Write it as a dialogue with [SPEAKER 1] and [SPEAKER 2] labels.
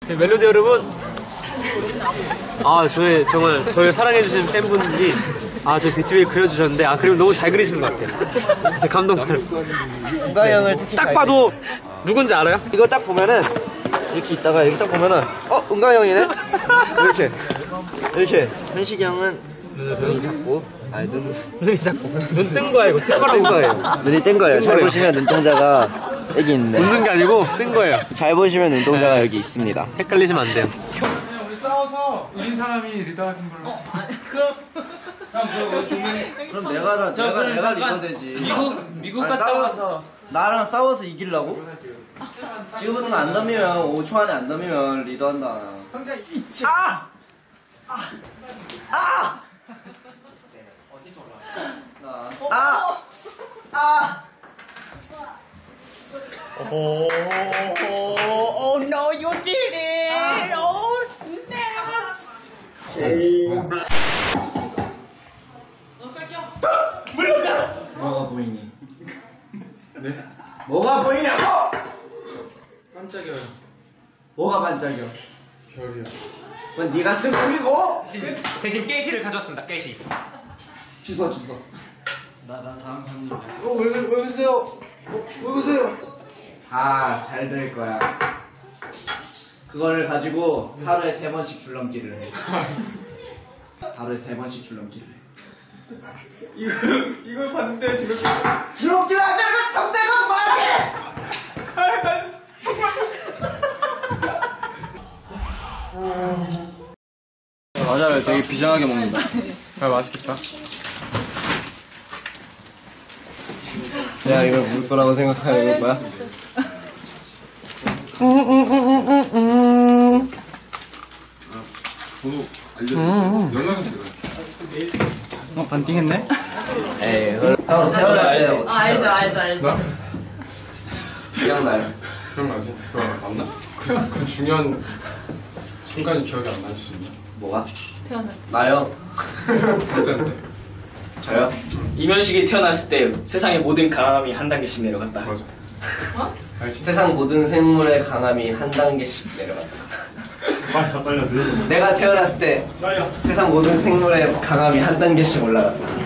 [SPEAKER 1] 멜로디 여러분, 정말 저를 사랑해주신 팬분들이 저희 비트비를 그려주셨는데 그리고 너무 잘 그리시는 것 같아요. 진짜 감동받았어요.
[SPEAKER 2] 은가 형을 특히
[SPEAKER 1] 딱 봐도 누군지 알아요?
[SPEAKER 2] 이거 딱 보면은 이렇게 있다가 이렇게 딱 보면은 은가 형이네? 이렇게 현식이 형은 눈이 작고
[SPEAKER 1] 눈이 자꾸 눈 뜬 거야. 이거
[SPEAKER 2] 뜬 거예요. 눈이 뜬 거예요. 잘 보시면 눈동자가 여기 있네.
[SPEAKER 1] 웃는 게 아니고 뜬 거예요.
[SPEAKER 2] 잘 보시면 눈동자가 여기 있습니다.
[SPEAKER 1] 헷갈리시면 안 돼요.
[SPEAKER 3] 그냥 우리 싸워서 이긴 사람이 리더하는 걸로
[SPEAKER 2] 그럼 내가 리더 되지.
[SPEAKER 4] 미국 갔다 와서
[SPEAKER 2] 나랑 싸워서 이기려고? 지금부터 안 덤비면 5초 안에 안 덤비면 리더한다.
[SPEAKER 4] Oh no, you did it! Oh snap!
[SPEAKER 2] 뭐가 보이니?
[SPEAKER 3] 네?
[SPEAKER 2] 뭐가 보이냐고!
[SPEAKER 3] 깜짝이야.
[SPEAKER 2] 뭐가 반짝여?
[SPEAKER 3] 별이야.
[SPEAKER 2] 그건 네가 쓴 꿈이고!
[SPEAKER 1] 대신 깨시를 가져왔습니다. 깨시.
[SPEAKER 2] 주소. 나 다음 상님. 왜 그러세요? 왜 그러세요? 다 잘 될 거야. 그거를 가지고 하루에 3번씩 줄넘기를 해. 하루에 3번씩 줄넘기를 해.
[SPEAKER 3] 이걸 봤는데 지금
[SPEAKER 2] 줄넘기를 하자면 상대가 말해!
[SPEAKER 3] 과자를 되게 비장하게 먹는다. 맛있겠다.
[SPEAKER 2] 야, 이걸 물 거라고 생각하는 거야?
[SPEAKER 3] 번호 알려줘. 연락은 제가.
[SPEAKER 1] 반띵했네?
[SPEAKER 2] 에이, 형 태어날 때
[SPEAKER 4] 알죠.
[SPEAKER 2] 기억나요?
[SPEAKER 3] 기억나지? 너 맞나? 그 중요한 순간이 기억이 안 나실 수 있나?
[SPEAKER 2] 뭐가? 나요?
[SPEAKER 3] 어땠는데?
[SPEAKER 2] 저요?
[SPEAKER 5] 이면식이 태어났을 때 세상의 모든 강함이 한 단계씩 내려갔다.
[SPEAKER 3] 맞아. 알지?
[SPEAKER 2] 세상 모든 생물의 강함이 한 단계씩 내려간다.
[SPEAKER 1] 더 떨려.
[SPEAKER 2] 내가 태어났을 때 세상 모든 생물의 강함이 한 단계씩 올라갔다.